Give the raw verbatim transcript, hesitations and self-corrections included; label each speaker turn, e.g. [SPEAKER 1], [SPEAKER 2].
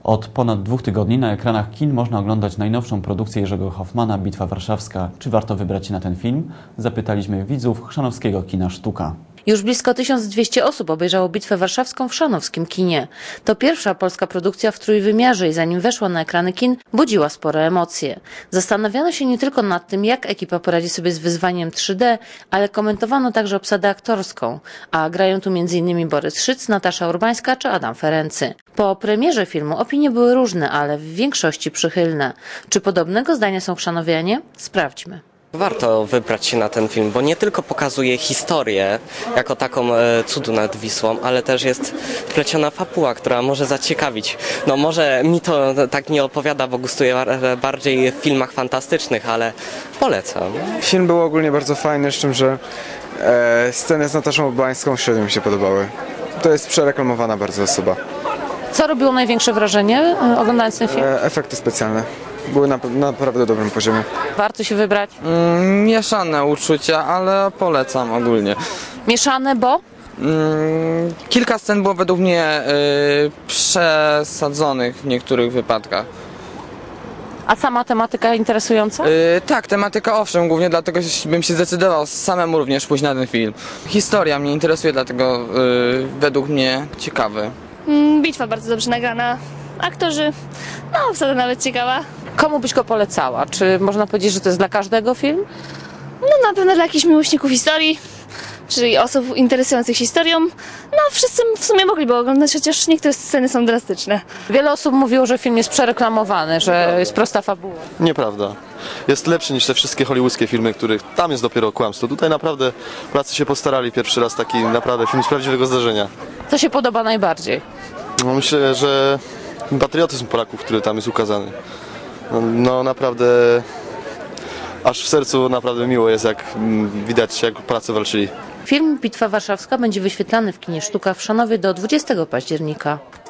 [SPEAKER 1] Od ponad dwóch tygodni na ekranach kin można oglądać najnowszą produkcję Jerzego Hoffmana „Bitwa Warszawska”. Czy warto wybrać się na ten film? Zapytaliśmy widzów chrzanowskiego kina Sztuka.
[SPEAKER 2] Już blisko tysiąc dwieście osób obejrzało Bitwę Warszawską w chrzanowskim kinie. To pierwsza polska produkcja w trójwymiarze i zanim weszła na ekrany kin, budziła spore emocje. Zastanawiano się nie tylko nad tym, jak ekipa poradzi sobie z wyzwaniem trzy D, ale komentowano także obsadę aktorską. A grają tu między innymi Borys Szyc, Natasza Urbańska czy Adam Ferency. Po premierze filmu opinie były różne, ale w większości przychylne. Czy podobnego zdania są chrzanowianie? Sprawdźmy.
[SPEAKER 3] Warto wybrać się na ten film, bo nie tylko pokazuje historię jako taką e, cudu nad Wisłą, ale też jest wpleciona fabuła, która może zaciekawić. No może mi to tak nie opowiada, bo gustuję bardziej w filmach fantastycznych, ale polecam.
[SPEAKER 4] Film był ogólnie bardzo fajny, z czym, że e, sceny z Nataszą Urbańską średnio mi się podobały. To jest przereklamowana bardzo osoba.
[SPEAKER 2] Co robiło największe wrażenie oglądając ten film?
[SPEAKER 4] E, efekty specjalne były na, na naprawdę dobrym poziomie.
[SPEAKER 2] Warto się wybrać?
[SPEAKER 5] Mm, mieszane uczucia, ale polecam ogólnie.
[SPEAKER 2] Mieszane, bo?
[SPEAKER 5] Mm, kilka scen było według mnie y, przesadzonych w niektórych wypadkach.
[SPEAKER 2] A sama tematyka interesująca?
[SPEAKER 5] Y, tak, tematyka owszem, głównie dlatego bym się zdecydował samemu również pójść na ten film. Historia mnie interesuje, dlatego y, według mnie ciekawy.
[SPEAKER 6] Bitwa bardzo dobrze nagrana, aktorzy, no obsada nawet ciekawa.
[SPEAKER 2] Komu byś go polecała? Czy można powiedzieć, że to jest dla każdego film?
[SPEAKER 6] No na pewno dla jakichś miłośników historii, czyli osób interesujących się historią. No wszyscy w sumie mogliby oglądać, chociaż niektóre sceny są drastyczne.
[SPEAKER 2] Wiele osób mówiło, że film jest przereklamowany, że jest prosta fabuła.
[SPEAKER 7] Nieprawda. Jest lepszy niż te wszystkie hollywoodzkie filmy, których tam jest dopiero kłamstwo. Tutaj naprawdę Polacy się postarali, pierwszy raz taki naprawdę film z prawdziwego zdarzenia.
[SPEAKER 2] Co się podoba najbardziej?
[SPEAKER 7] No, myślę, że patriotyzm Polaków, który tam jest ukazany. No, no naprawdę aż w sercu naprawdę miło jest, jak widać, jak Polacy walczyli.
[SPEAKER 2] Film Bitwa Warszawska będzie wyświetlany w kinie Sztuka w Chrzanowie do dwudziestego października.